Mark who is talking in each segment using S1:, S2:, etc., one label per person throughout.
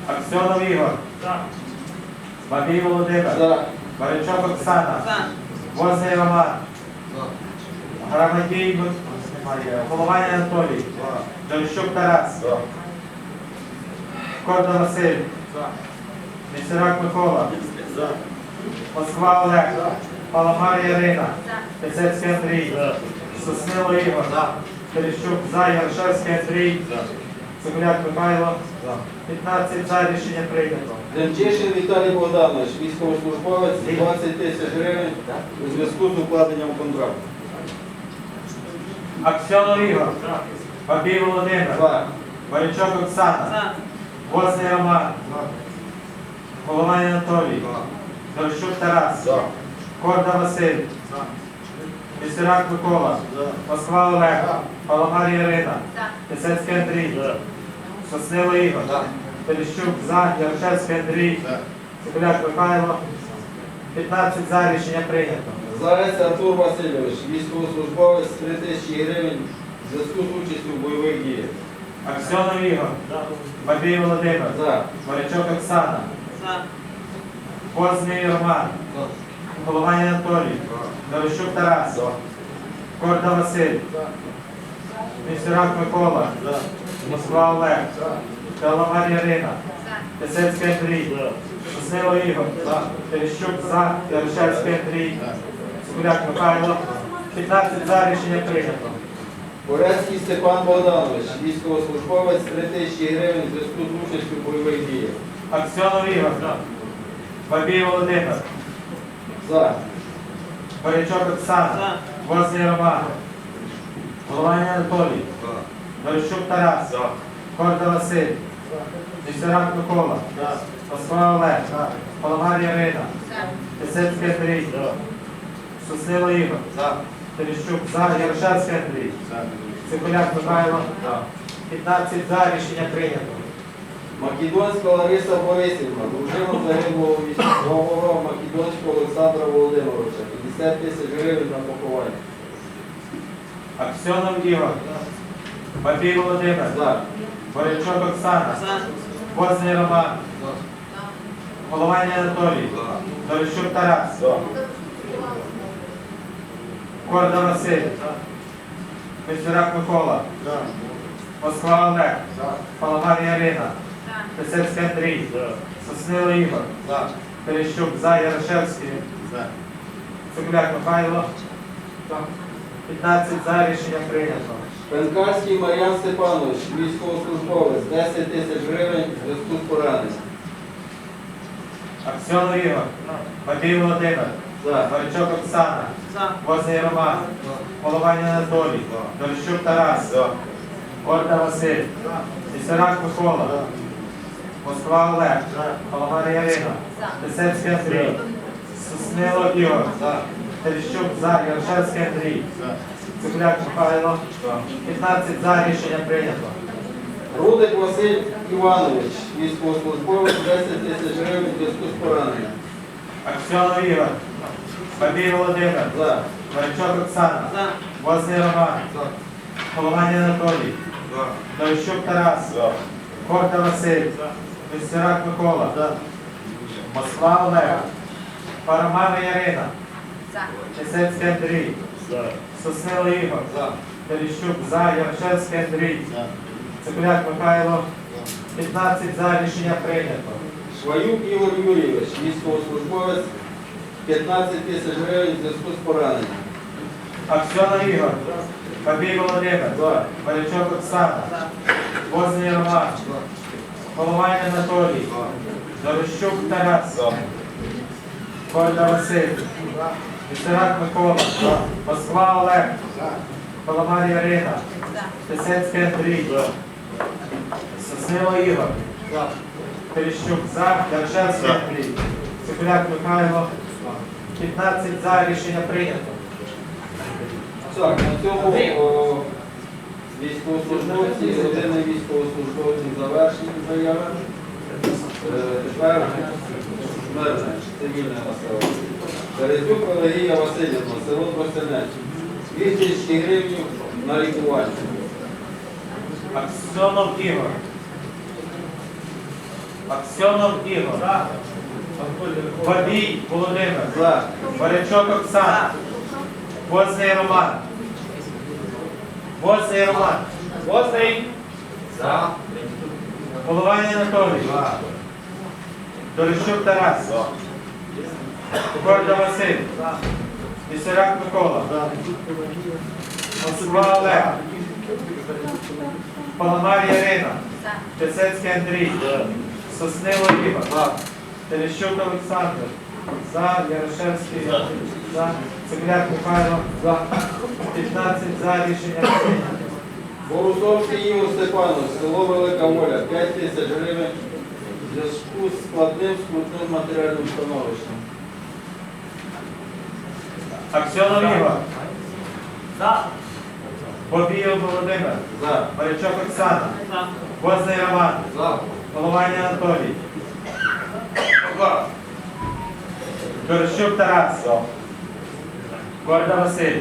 S1: Аксьонов Ігор. Бабій Володимир. Баричок Оксана. Возний Роман. Громадій Головань Анатолій. Джорищук Тарас. Корда Василь. Місерак Микола. Москва Олег. Паламар Ярина. Пісецький Андрій. Соснило Ігор. Терещук за. Яршевський Андрій. Цегуляк Михайло. 15 за. Рішення прийнято.
S2: Демчишин Віталій Богданович, військовослужбовець, 20 тисяч гривень у зв'язку з укладенням контракту.
S1: Аксьонов Ігор. Бабій Володимир. Баричок Оксана. Возний Роман. Головань Анатолій. Дорощук Тарас. Корда Василь. Місерак Микола. Москва Олег. Паламар Ярина. Пісецький Андрій. Соснило Ігор. Терещук за. Яршевський Андрій. Цегуляк Михайло. 15 за. Рішення прийнято.
S2: Зарець Артур Васильович, військовослужбовець, 3 тисячі гривень у зв'язку з участю в бойових діях.
S1: Аксьонов Ігор. Бабій Володимир. Баричок Оксана. Возний Роман. Головань Анатолій. Дорощук Тарас. Корда Василь. Місерак Микола. Москва Олег. Паламар Ярина. Пісецький Андрій. Соснило Ігор. Терещук за. Яршевський Андрій. Цегуляк Михайло. 15 за. Рішення прийнято.
S2: Борецький Степан Богданович, військовослужбовець, 3 тисячі гривень у зв'язку з участю в бойових діях.
S1: Аксьонов Ігор. Бабій Володимир. Баричок Оксана. Возний Роман. Головань Анатолій. Дорощук Тарас. Корда Василь. Місерак Микола. Москва Олег. Паламар Ярина. Пісецький Андрій. Соснило Ігор. Терещук за. Яршевський Андрій. Цегуляк Михайло. 15 за. Рішення прийнято.
S2: Македонська Лариса Борисівна, дружина загиблого військового Македонського Олександра Володимировича, 50 тисяч гривень на поховання.
S1: Аксьонов Ігор. Бабій Володимир. Баричок Оксана. Возний Роман. Головань Анатолій. Дорощук Тарас. Корда Василь. Місерак Микола. Москва Олег. Паламар Ярина. Пісецький Андрій. Соснило Ігор. Терещук за. Ярошевський. Цегуляк Михайло. 15 за. Рішення прийнято.
S2: Пенкарський Мар'ян Степанович, військовослужбовець, 10 тисяч гривень у зв'язку з пораненням.
S1: Аксьонов Ігор. Бабій Володимир. Баричок Оксана. Возний Роман. Головань Анатолій. Дорощук Тарас. Корда Василь. Місерак Микола. Москва Олег. Паламар Ярина. Пісецький Андрій. Соснило Ігор. Терещук за. Яршевський Андрій. Цегуляк Михайло. 15 за. Рішення прийнято.
S2: Рудик Василь Іванович, військовослужбовець, 10 тисяч гривень у зв'язку з пораненням.
S1: Аксьонов Ігор. Бабій Володимир. Баричок Оксана. Возний Роман. Головань Анатолій. Дорощук Тарас. Корда Василь. Місерак Микола. Москва Олег. Паламар Ярина. Пісецький Андрій. Соснило Ігор. Терещук за. Яршевський Андрій. Цегуляк Михайло. 15 за. Рішення прийнято.
S2: Шваюк Ігор Юрійович, військовослужбовець, 15 тисяч гривень у зв'язку з пораненням.
S1: Аксьонов Ігор. Бабій Володимир. Баричок Оксана. Возний Роман. Головань Анатолій. Дорощук Тарас. Корда Василь. Місерак Микола. Москва Олег. Паламар Ярина. Пісецький Андрій. Соснило Ігор. Терещук за. Яршевський Андрій. Цегуляк Михайло. 15 за. Рішення прийнято.
S2: Так, на цьому військовослужбовці, родини військовослужбовців завершені заяви. Тепер мирне, цивільне населення. Березюк Пелагія Васильівна, село Тростянець. 2 тисячі гривень на лікування.
S1: Аксьонов Ігор. Аксьонов Ігор. Бабій Володимир.
S2: За.
S1: Барячок Оксана. Возний Роман. Возний Роман. Возний.
S3: За.
S1: Головань Анатолій. Дорощук Тарас. Горда Василь. Пісаряк Микола. Москва Олег. Паламар Ярина. Пісецький Андрій. Соснило Ігор. Терещук Олександр. За. Ярошевський. За. Цегляк Михайло. За. 15 за. Рішення прийнято.
S2: Борусовський Ігор Степанович, село Велика Воля, 5 тисяч гривень в зв'язку з складним матеріальним становищем.
S1: Аксьонов Ігор.
S3: За.
S1: Бобієв Володимир.
S2: За.
S1: Барячок Оксана.
S3: За.
S1: Возний Роман.
S2: За.
S1: Головань Анатолій. Дорощук Тарас. Горда Василь.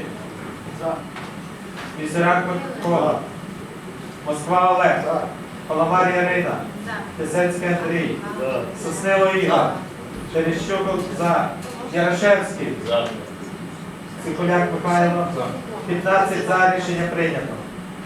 S1: Пісаряк Микола. Москва Олег. Паламар Ярина. Пісецький Андрій. Соснило Ігор. Терещук за. Ярошевський. Цикуляк Михайло. 15 за. Рішення прийнято.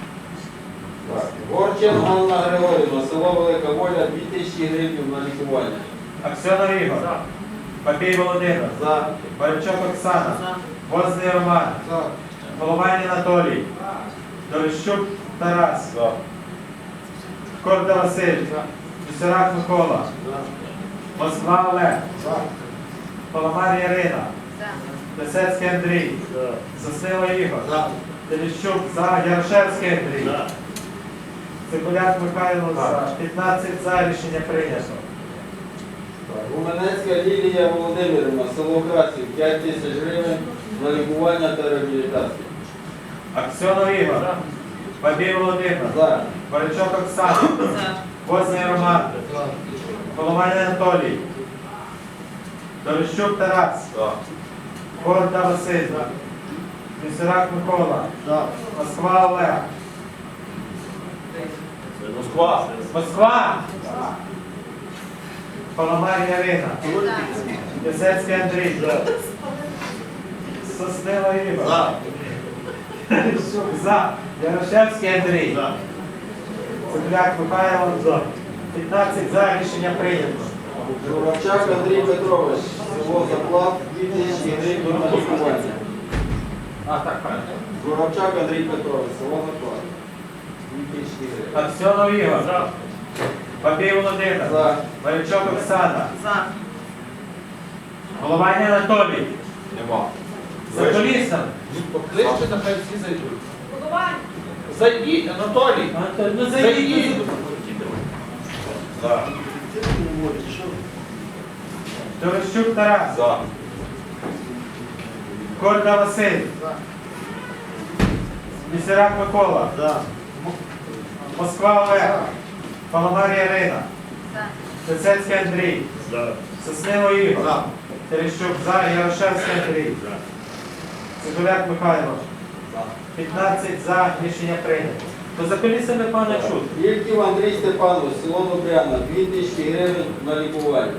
S2: Горчин Анна Григорівна, село Велика Воля, 2000 гривень на лікування.
S1: Аксьонов Ігор. Бабій Володимир.
S2: За.
S1: Барячок Оксана. Возний Роман. Головань Анатолій. Дорощук Тарас. Корда Василь. Пісарак Микола. Москва Олег. Паламар Ярина. Пісецький Андрій. Соснило Ігор. Терещук за. Ярошевський Андрій. Цикуляк Михайло за. 15 за. Рішення прийнято.
S2: Гуменецька Лілія Володимирівна, село Красів, 5 тисяч гривень на лікування та реабілітацію.
S1: Аксьонов Ігор. Бабій Володимир.
S2: За.
S1: Барячок Оксана. Возний Роман. Головань Анатолій. Дорощук Тарас. Горда Василь. Пісарак Микола. Москва Олег. Москва. Паламар Ярина. Пісецький Андрій. Соснило Ігор. За. Ярошевський Андрій. Цепляк Михайло. 15 за. Рішення прийнято.
S2: Журавчак Андрій Петрович, село Заплат, 2000 гривень на лікування. Журавчак Андрій Петрович, село Заплат, 2000 гривень.
S1: Аксьонов Ігор. Бабій Володимир.
S2: За.
S1: Барячок Оксана. Головань Анатолій. За колісом.
S3: Покличте, нехай всі зайдуть. Зайдіть, Анатолій.
S1: Ну зайдіть. Дорощук Тарас. Корда Василь. Пісарак Микола. Москва Олег. Паламар Ярина. Пісецький Андрій. Соснило Ігор. Терещук за. Ярошевський Андрій. Цикуляк Михайло. 15 за. Рішення прийнято. То за колісами пана чути.
S2: Ільків Андрій Степанович, село Добряна, 2000 гривень на лікування.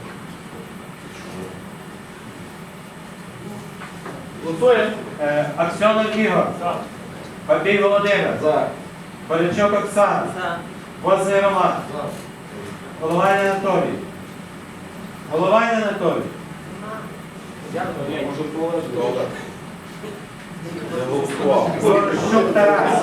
S1: Аксьонов Ігор. Бабій Володимир.
S2: За.
S1: Барячок Оксана. Возний Роман. Головань Анатолій. Головань Анатолій. Дорощук Тарас.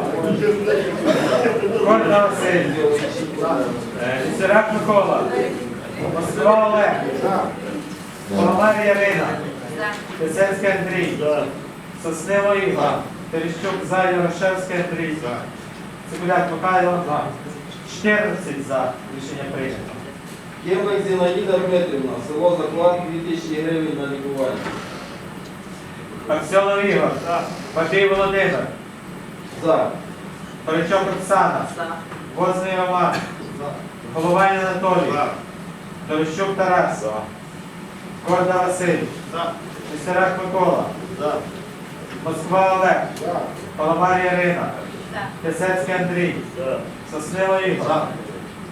S1: Горда Василь. Пісарак Микола. Москва Олег. Паламар Ярина. Пісецький Андрій. Соснило Ігор. Терещук за. Ярошевський Андрій. Цикуляк Михайло. 14 за. Рішення прийнято.
S2: Кембек Зінаїда Дмитрівна, село Заклад, 2000 гривень на лікування.
S1: Аксьонов Ігор. Бабій Володимир.
S2: За.
S1: Барячок Оксана. Возний Роман. Головань Анатолій. Дорощук Тарас. Горда Василь. Пісарак Микола. Москва Олег. Паламар Ярина. Пісецький Андрій. Соснило Ігор.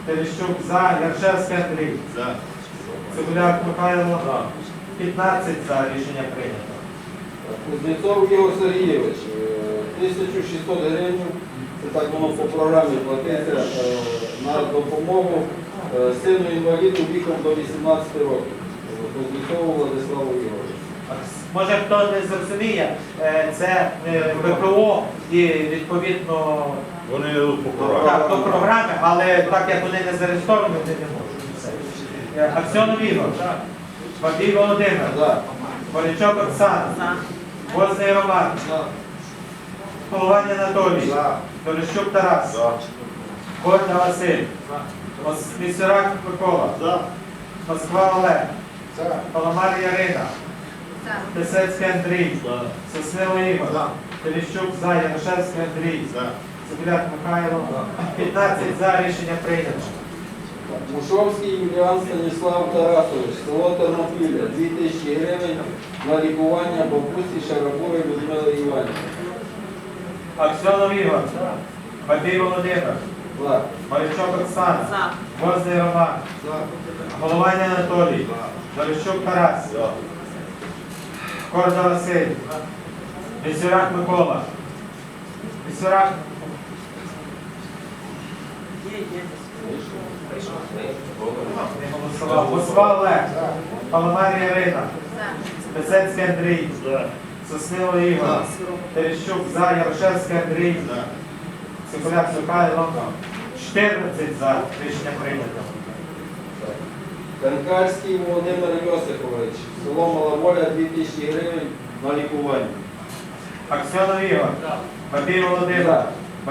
S1: Терещук за. Яршевський Андрій. Цегуляк Михайло. 15 за. Рішення прийнято.
S2: Кузнєцов Ігор Сергійович, 1600 гривень, це так воно по програмі платиться на допомогу сину інваліду віком до 18 років. Кузнєцову Владиславу Ігоровичу.
S1: Може хто не зрозуміє, це ВПО і відповідно
S4: Вони йдуть по програмі.
S1: так, до програми, але так як вони не зареєстровані, вони не можуть. Все. Аксьонов Ігор. Бабій Володимир.
S2: За.
S1: Борячок Оксана. Возний Роман. Головань Анатолій. Терещук Тарас. Горда Василь. Місюрак Микола. Москва Олег. Паламар Ярина. Писецький Андрій. Соснило Ігор. Терещук за. Ярошевський Андрій. Цегуляк Михайло. 15 за. Рішення прийнято.
S2: Мушовський Юліан Станіслав Тарасович, село Тернопілля, 2000 гривень на лікування бабусі Шарабової Людмили Іванівни.
S1: Аксьонов Ігор. Бабій Володимир.
S2: За.
S1: Борячок Оксана. Возний Роман. Головань Анатолій. Терещук Тарас. Корда Василь. Місюрак Микола. Місюрак. Не голосував. Москва Олег. Паламар Ярина. Писецький Андрій. Соснило Ігор. Терещук за. Ярошевський Андрій. Цегуляк Михайло. 14 за. Рішення прийнято.
S2: Канкарський Володимир Йосипович, село Маловоля, 2000 гривень на лікування.
S1: Аксьонов Ігор. Бабій Володимир.